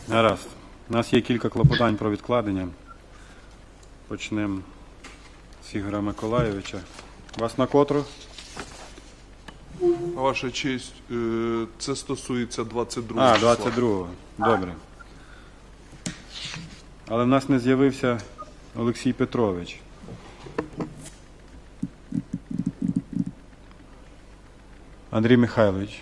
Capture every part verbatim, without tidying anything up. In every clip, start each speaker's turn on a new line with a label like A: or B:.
A: Гаразд. У нас є кілька клопотань про відкладення. Почнемо з Ігоря Миколайовича. Вас на котру?
B: Ваша честь, е, це стосується двадцять другого.
A: А, двадцять другого. Добре. Але в нас не з'явився Олексій Петрович. Андрій Михайлович.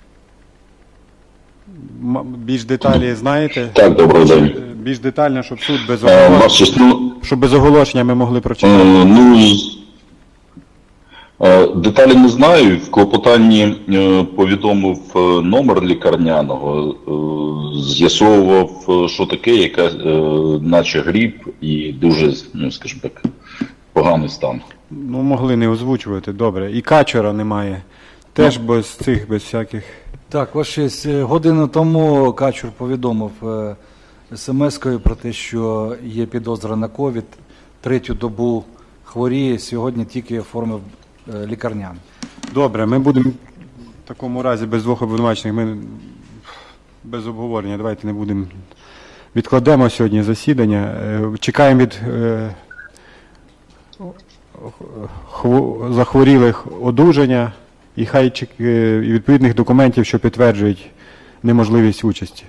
A: М- Більш деталі знаєте?
C: Так, добрий день.
A: Більш детально, щоб суд без
C: Е,
A: оголошення,
C: Ваша честь, ну,
A: щоб без оголошення ми могли
C: е,
A: прочитати.
C: ну, з- е, деталі не знаю. В клопотанні е, повідомив е, номер лікарняного, е, з'ясовував, е, що таке, яка, е, наче грипп і дуже, ну, скажімо так, поганий стан.
A: Ну, могли не озвучувати, добре. І Качура немає. Теж без цих, без всяких.
D: Так, ваш честь, е, годину тому Качур повідомив е, смс-кою про те, що є підозра на ковід, третю добу хворіє, сьогодні тільки оформив е, лікарняний.
A: Добре, ми будемо в такому разі без двох обвинувачених, ми без обговорення, давайте не будемо. Відкладемо сьогодні засідання. Е, Чекаємо від е, хво- захворілих одужання і хай чек- е, і відповідних документів, що підтверджують неможливість участі.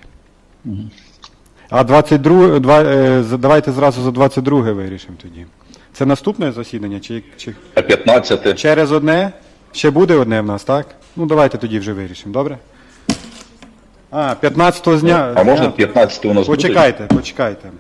A: А двадцять друге, два, е, за- давайте зразу за двадцять друге вирішимо тоді. Це наступне засідання чи, чи
C: А п'ятнадцяте?
A: через одне? Ще буде одне в нас, так? Ну давайте тоді вже вирішимо, добре? А, п'ятнадцятого зня.
C: А можна
A: зня-
C: п'ятнадцяте у нас буде?
A: Почекайте, почекайте.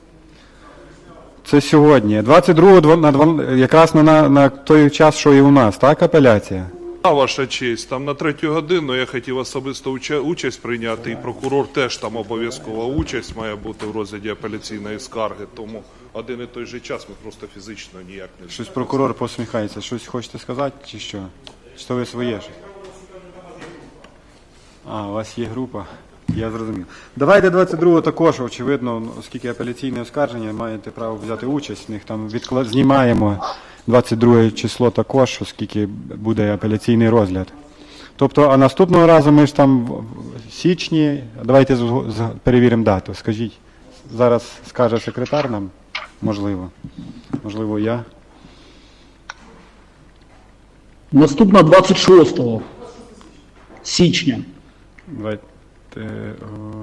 A: Це сьогодні. двадцять другого дво- на два- якраз на, на, на той час, що і у нас, так, апеляція?
B: А, ваша честь, там на третю годину я хотів особисто уча- участь прийняти, і прокурор теж там обов'язкова участь має бути в розгляді апеляційної скарги, тому один і той же час ми просто фізично ніяк не
A: Щось прокурор посміхається. Щось хочете сказати, чи що? Чи то ви своє щось? А, у вас є група. Я зрозумів. Давайте двадцять другого також, очевидно, оскільки апеляційне оскарження, маєте право взяти участь в них. Там відкла... знімаємо двадцять друге число також, оскільки буде апеляційний розгляд. Тобто, а наступного разу ми ж там в в січні, давайте зго- з- перевіримо дату. Скажіть, зараз скаже секретар нам, можливо, можливо, я.
E: Наступна двадцять шостого січня.
A: Давайте. о,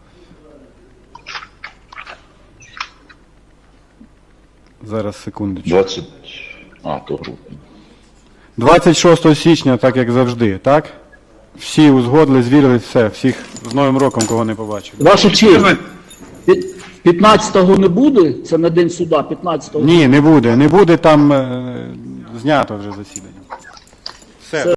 A: Зараз, секундочку.
C: двадцять... А, то грудня.
A: двадцять шостого січня, так як завжди, так? Всі узгодили, звірили, все. Всіх з Новим роком, кого не побачив.
E: Ваша честь, пі- п'ятнадцятого не буде? Це на день суда, п'ятнадцятого.
A: Ні, не буде. Не буде, там е, знято вже засідання.